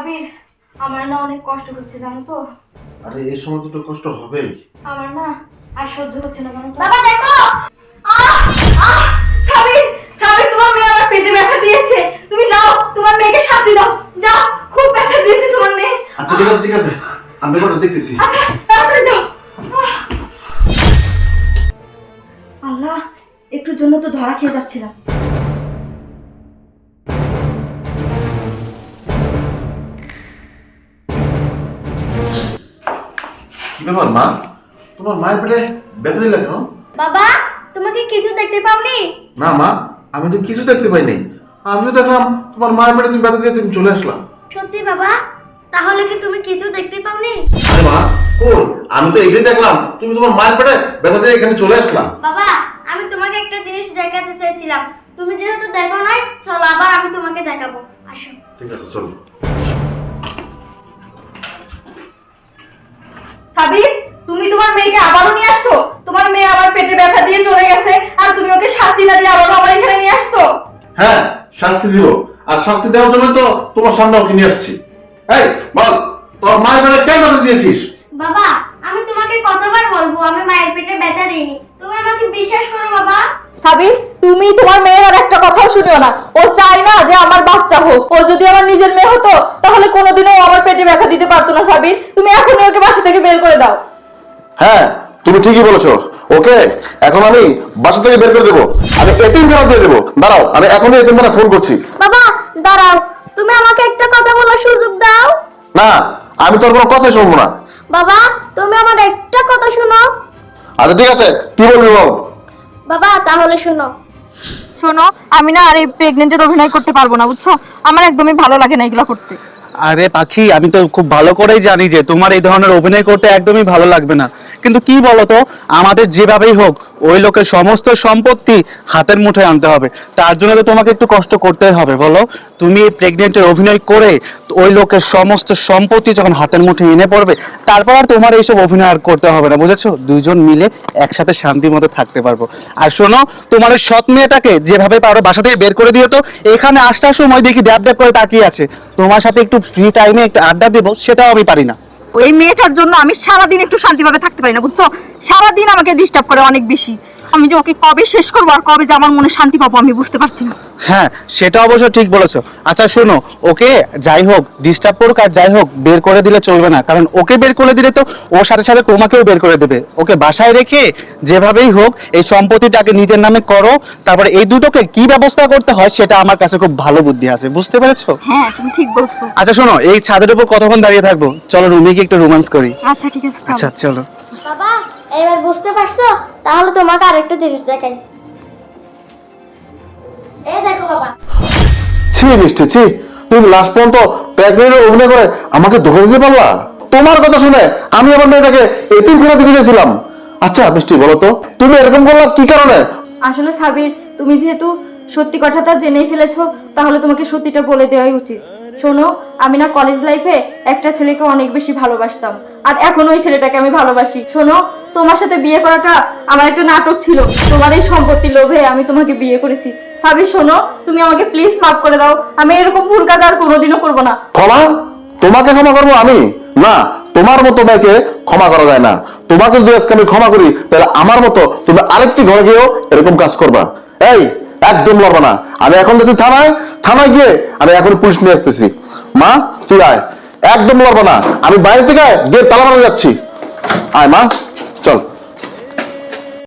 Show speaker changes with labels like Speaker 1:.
Speaker 1: সাবির, আমার না অনেক কষ্ট হচ্ছে জানো তো।
Speaker 2: আরে এই সময় তো কষ্ট হবেই।
Speaker 1: আমার না আর সহ্য হচ্ছে না জানো তো।
Speaker 3: বাবা দেখো,
Speaker 1: সাবির, সাবির তোমার মেয়ে আমার পেটে ব্যথা দিয়েছে। তুমি যাও, তোমার মেয়েকে শাস্তি দাও। যাও, খুব ব্যথা দিয়েছে তোমার মেয়ে।
Speaker 2: আচ্ছা ঠিক আছে আমি ব্যাপারটা দেখতেছি।
Speaker 1: আচ্ছা তাড়াতাড়ি যাও। আল্লাহ, একটুর জন্য তো ধরা খেয়ে যাচ্ছিলাম।
Speaker 2: কি ব্যাপার মা, তোমার মায়ের পেটে ব্যথা দিলা কেন?
Speaker 3: বাবা তোমাকে কিছু দেখতে পাওনি?
Speaker 2: না মা, আমি তো কিছু দেখতে পাইনি। আমিও দেখলাম তোমার মায়ের পেটে তুমি ব্যথা দিয়ে তুমি চলে আসলাম।
Speaker 3: সত্যি বাবা? তাহলে কি তুমি কিছু দেখতে পাওনি?
Speaker 2: আরে মা, কোন? আমি তো এইটাই দেখলাম, তুমি তোমার মায়ের পেটে ব্যথা দিয়ে এখানে চলে আসলাম।
Speaker 3: বাবা আমি তোমাকে একটা জিনিস দেখাতে চেয়েছিলাম, তুমি যেহেতু দেখো নাই, চলো আবার আমি তোমাকে দেখাবো, আসো।
Speaker 2: ঠিক আছে চলো।
Speaker 1: সাবির, তুমি তোমার মেয়েকে আবারও নিয়ে আসছো? তোমার মেয়ে আমার পেটে ব্যথা দিয়ে চলে গেছে আর তুমি ওকে শাস্তি না দিয়ে আবারও আমার এখানে নিয়ে আসছো?
Speaker 2: হ্যাঁ, শাস্তি দিব। আর শাস্তি দেওয়ার জন্য তো তোমার সামনে ওকে নিয়ে আসছি। এই বল, তোর মায়ের পেটে কেন ব্যথা দিয়েছিস?
Speaker 3: বাবা আমি তোমাকে কতবার বলবো আমি মায়ের পেটে ব্যথা দিইনি, তুমি আমাকে বিশ্বাস করো বাবা।
Speaker 1: সাবির, তুমি তোমার মেয়ের আর একটা কথাও শুনিও না। ও চায় না যে আমার বাচ্চা হোক। ও যদি আমার নিজের মেয়ে হতো তাহলে কোনোদিনও ও আমার পেটে ব্যথা দিতে পারতো না। সাবির, তুমি এখনই ওকে বাসা থেকে বের করে দাও।
Speaker 4: হ্যাঁ তুমি ঠিকই বলেছো, ওকে এখন আমি বাসা থেকে বের করে দেবো। আমি এতিমখানা দিয়ে দেবো। দাঁড়াও, আমি এখনই এতিমখানা ফোন করছি।
Speaker 3: বাবা দাঁড়াও, তুমি আমাকে একটা কথা বলার সুযোগ দাও।
Speaker 4: না, আমি তোর কোনো কথাই শুনবো না।
Speaker 3: বাবা তুমি আমার একটা কথা শোনো।
Speaker 4: আচ্ছা ঠিক আছে, কি বলবি বল।
Speaker 3: বাবা তাহলে শোনো।
Speaker 1: শোনো, আমি না আর এই প্রেগনেন্টের অভিনয় করতে পারবো না, বুঝছো? আমার একদমই ভালো লাগে না এগুলো করতে।
Speaker 5: আরে পাখি, আমি তো খুব ভালো করেই জানি যে তোমার এই ধরনের অভিনয় করতে একদমই ভালো লাগবে না, কিন্তু কি বলতো, আমাদের যেভাবেই হোক ওই লোকের সমস্ত সম্পত্তি হাতের মুঠোয় আনতে হবে। তার জন্য তো তোমাকে একটু কষ্ট করতেই হবে। বলো, তুমি প্রেগনেন্টের অভিনয় করে ওই লোকের সমস্ত সম্পত্তি যখন হাতের মুঠোয় এনে পড়বে, তারপর আর তোমার এইসব অভিনয় আর করতে হবে না, বুঝেছো? দুজন মিলে একসাথে শান্তির মতো থাকতে পারবো। আর শোনো, তোমার ওই সৎ মেয়েটাকে যেভাবে পারো বাসা থেকে বের করে দিও তো। এখানে আসার সময় দেখি ড্যাব ড্যাব করে তাকিয়ে আছে। তোমার সাথে একটু ফ্রি টাইমে একটু আড্ডা দেবো, সেটাও আমি পারি না।
Speaker 1: ওই মেয়েটার জন্য আমি সারাদিন একটু শান্তিভাবে থাকতে পারি না, বুঝছো? সারাদিন আমাকে ডিস্টার্ব করে অনেক বেশি। আমি যে ওকে কবে শেষ করবো আর কবে যে আমার মনে শান্তি পাবো আমি বুঝতে পারছি না।
Speaker 5: হ্যাঁ, সেটা অবশ্য ঠিক বলেছো। আচ্ছা শোনো, ওকে যাই হোক ডিস্টার্ব করুক আর যাই হোক বের করে দিলে চলবে না, কারণ ওকে বের করে দিলে তো ওর সাথে সাথে তোমাকেও বের করে দেবে। ওকে বাসায় রেখে যেভাবেই হোক এই সম্পত্তিটাকে নিজের নামে করো, তারপরে এই দুটোকে কি ব্যবস্থা করতে হয় সেটা আমার কাছে খুব ভালো বুদ্ধি আছে, বুঝতে পেরেছো?
Speaker 1: হ্যাঁ তুমি ঠিক বলছো।
Speaker 5: আচ্ছা শোনো, এই ছাদের উপর কতক্ষণ দাঁড়িয়ে থাকবো? চলো রুমে গিয়ে একটু রোমান্স করি।
Speaker 1: আচ্ছা ঠিক আছে, চলো।
Speaker 5: আচ্ছা চলো।
Speaker 3: বাবা এবার বুঝতে পারছো? তাহলে তোমাকে আরেকটা জিনিস দেখাই, এই দেখো বাবা।
Speaker 4: ছি মিষ্টি, ছি, তুমি লাস্ট পর্যন্ত প্রেগনেন্টের অভিনয় করে আমাকে ধোকা দিতে পারলা। তোমার কথা শুনে আমি আমার মেয়েটাকে এতিমখানা দিতে গেছিলাম। আচ্ছা মিষ্টি বলো তো, তুমি এরকম করলা কি কারণে?
Speaker 1: আসলে সাবির, তুমি যেহেতু সত্যি কথাটা জেনেই ফেলেছো তাহলে তোমাকে সত্যিটা বলে দেওয়াই উচিত। শোনো, আমি না কলেজ লাইফে একটা ছেলেকে অনেক বেশি ভালোবাসতাম আর এখন ওই ছেলেটাকে আমি ভালোবাসি। শোনো, তোমার সাথে বিয়ে করাটা আমার একটা নাটক ছিল। তোমার এই সম্পত্তির লোভে আমি তোমাকে বিয়ে করেছি। সাবির শোনো, তুমি আমাকে প্লিজ মাফ করে দাও। আমি এরকম ভুল কাজ আর কোনোদিনও করবো না।
Speaker 4: ক্ষমা? তোমাকে ক্ষমা করবো আমি? না, তোমার মতো মেয়েকে ক্ষমা করা যায় না। তোমাকে যদি আজকে আমি ক্ষমা করি তাহলে আমার মতো তুমি আরেকটি ঘরে গিয়েও এরকম কাজ করবা। এই একদম লড়বা না। আমি এখন যাচ্ছি থানায়, থানায় গিয়ে আমি এখন পুলিশ নিয়ে আসতেছি। মা তুই আয়, একদম লড়বা না। আমি বাইরে থেকে গিয়ে তালা মারা যাচ্ছি। আয় মা, চল।